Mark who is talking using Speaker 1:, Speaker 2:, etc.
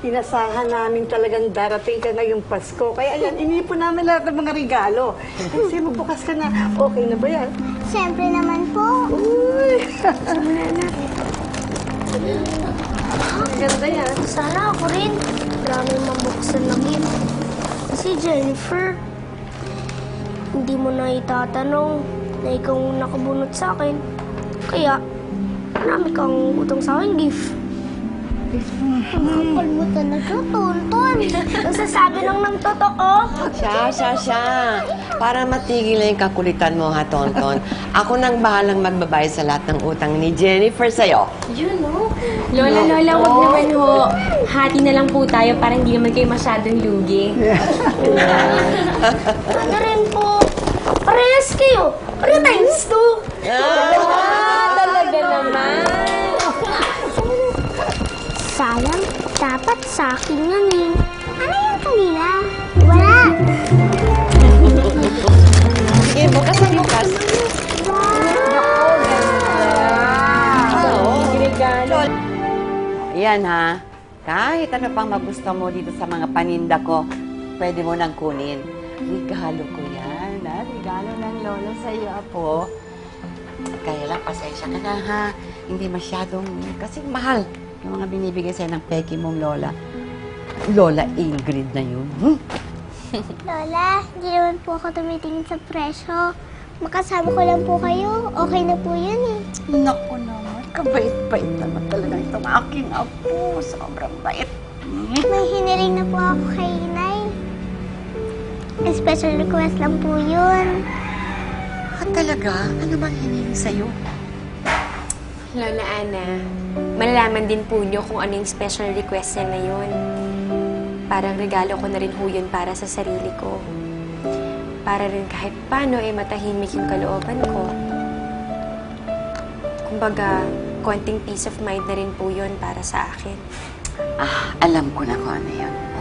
Speaker 1: Inasahan namin talagang darating ka ngayong Pasko. Kaya ayan, inipon namin lahat ng mga regalo. Kasi magbukas ka na. Okay na ba yan?
Speaker 2: Siyempre naman po.
Speaker 1: Uy! Ganda yan.
Speaker 2: Sana ako rin. Marami mabuksan na gift. Si Jennifer, hindi mo na itatanong na ikaw ang nakabunot sa akin. Kaya, marami kang utang sa akin gift. Kapal mo talaga, Tonton. Nasasabi lang ng totoo.
Speaker 3: Siya. Para matigil na yung kakulitan mo, ha, Tonton. Ako nang bahalang magbabayad sa lahat ng utang ni Jennifer sa'yo.
Speaker 4: Yun, no? Lola, wag naman ho. Hati na lang po tayo para hindi naman kayo masyadong lugi.
Speaker 2: Ano rin po? Parehas kayo. Pareho times 2.
Speaker 4: Talaga naman.
Speaker 2: Sayang, dapat sa akin yan eh. Ano yung kanina? Wala.
Speaker 3: Sige, bukas na bukas.
Speaker 4: Regalo.
Speaker 3: Yan, ha. Kahit ano pang magusto mo dito sa mga paninda ko, pwede mo nang kunin. Regalo ko yan, ha? Regalo ng lola sa'yo, apo. Kaya lang, pasensya ka na, ha? Hindi masyadong, kasi mahal yung mga binibigay sa'yo ng peki mong lola. Lola Ingrid na yun.
Speaker 2: Lola, hindi naman po ako tumitingin sa presyo. Makasama ko lang po kayo. Okay na po yun eh.
Speaker 3: Naku naman, kabait-bait naman talaga itong aking apo. Sobrang bait.
Speaker 2: May hiniling na po ako kay Inay. Special request lang po yun.
Speaker 3: Talaga? Ano bang hiniling sa'yo?
Speaker 4: Lola Ana, malalaman din po niyo kung ano yung special request niya na yun. Parang regalo ko na rin ho yun para sa sarili ko. Para rin kahit paano ay matahimik yung kalooban ko. Kumbaga, konting peace of mind na rin po yun para sa akin.
Speaker 3: Alam ko na kung ano yun.